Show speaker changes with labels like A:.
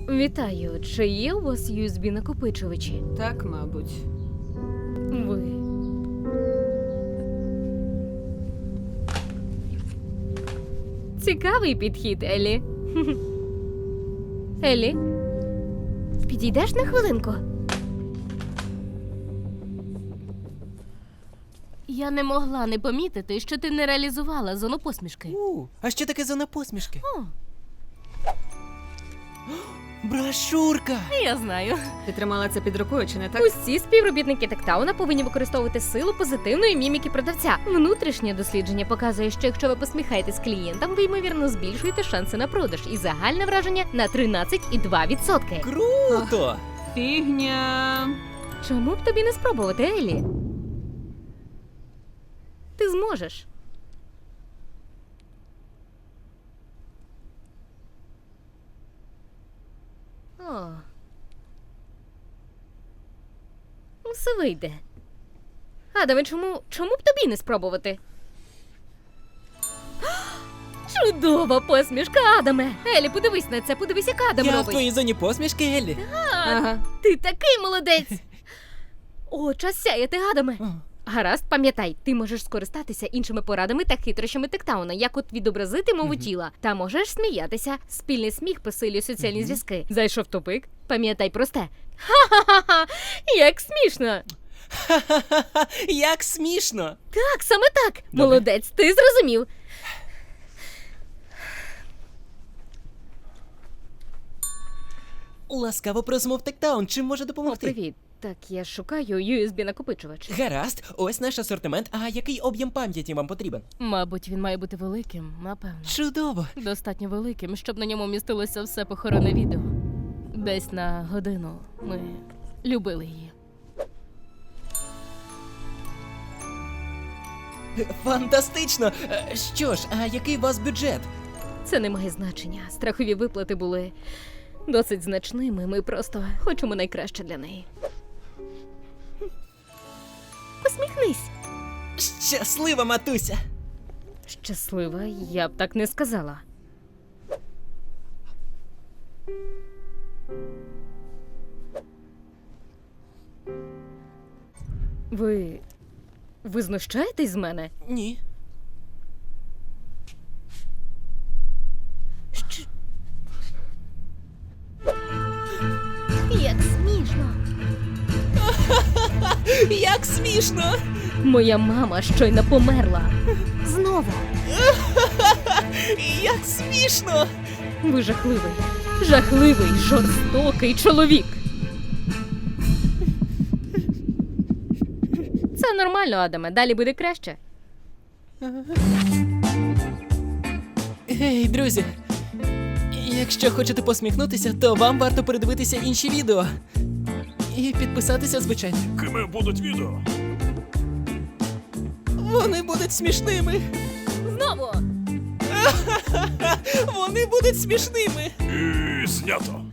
A: Вітаю. Чи є у вас USB-накопичувачі?
B: Так, мабуть.
A: Ви. Цікавий підхід, Еллі. Еллі, підійдеш на хвилинку? Я не могла не помітити, що ти не реалізувала зону посмішки.
C: А що таке зона посмішки?
A: О,
C: Брошурка!
A: я знаю.
B: Ти тримала це під рукою, чи не так?
A: Усі співробітники Тектауна повинні використовувати силу позитивної міміки продавця. Внутрішнє дослідження показує, що якщо ви посміхаєтесь клієнтам, ви ймовірно збільшуєте шанси на продаж і загальне враження на 13,2%.
C: Круто!
B: Фігня.
A: Чому б тобі не спробувати, Еллі? Ти зможеш. О. Все вийде. Адаме, чому б тобі не спробувати? Чудова посмішка, Адаме! Еллі, подивись на це, подивись, як Адам
C: Я в
A: робить.
C: твоїй зоні посмішки, Еллі.
B: Ага.
A: Ти такий молодець! О, час сяяти, Адаме! Гаразд, пам'ятай, ти можеш скористатися іншими порадами та хитрощами Тектауна, як от відобразити мову тіла. Та можеш сміятися. Спільний сміх посилює соціальні зв'язки. Зайшов тупик? Пам'ятай просте. Ха-ха-ха! Як смішно!
C: Ха-ха-ха! Як смішно!
A: Так, саме так! Молодець, ти зрозумів.
C: Ласкаво просимо в Тектаун. Чим може
A: О,
C: допомогти?
A: привіт. Так, я шукаю USB-накопичувач.
C: Гаразд, ось наш асортимент. А який об'єм пам'яті вам потрібен?
A: Мабуть, він має бути великим, напевно.
C: Чудово!
A: Достатньо великим, щоб на ньому містилося все похоронне відео. Десь на годину ми любили її.
C: Фантастично! Що ж, а який у вас бюджет?
A: Це не має значення. Страхові виплати були досить значними. Ми просто хочемо найкраще для неї. Посміхнись.
C: Щаслива, матуся!
A: Щаслива, я б так не сказала. Ви знущаєтесь з мене?
C: Ні.
A: Як смішно.
C: Як смішно!
A: Моя мама щойно померла. Знову.
C: Як смішно!
A: Ви жахливий, жахливий, жорстокий чоловік. Це нормально, Адаме. Далі буде краще.
C: Гей, друзі! Якщо хочете посміхнутися, то вам варто передивитися інші відео. І підписатися, звичайно.
D: Якими будуть відео?
C: Вони будуть смішними!
A: Знову!
C: Вони будуть смішними!
D: І знято.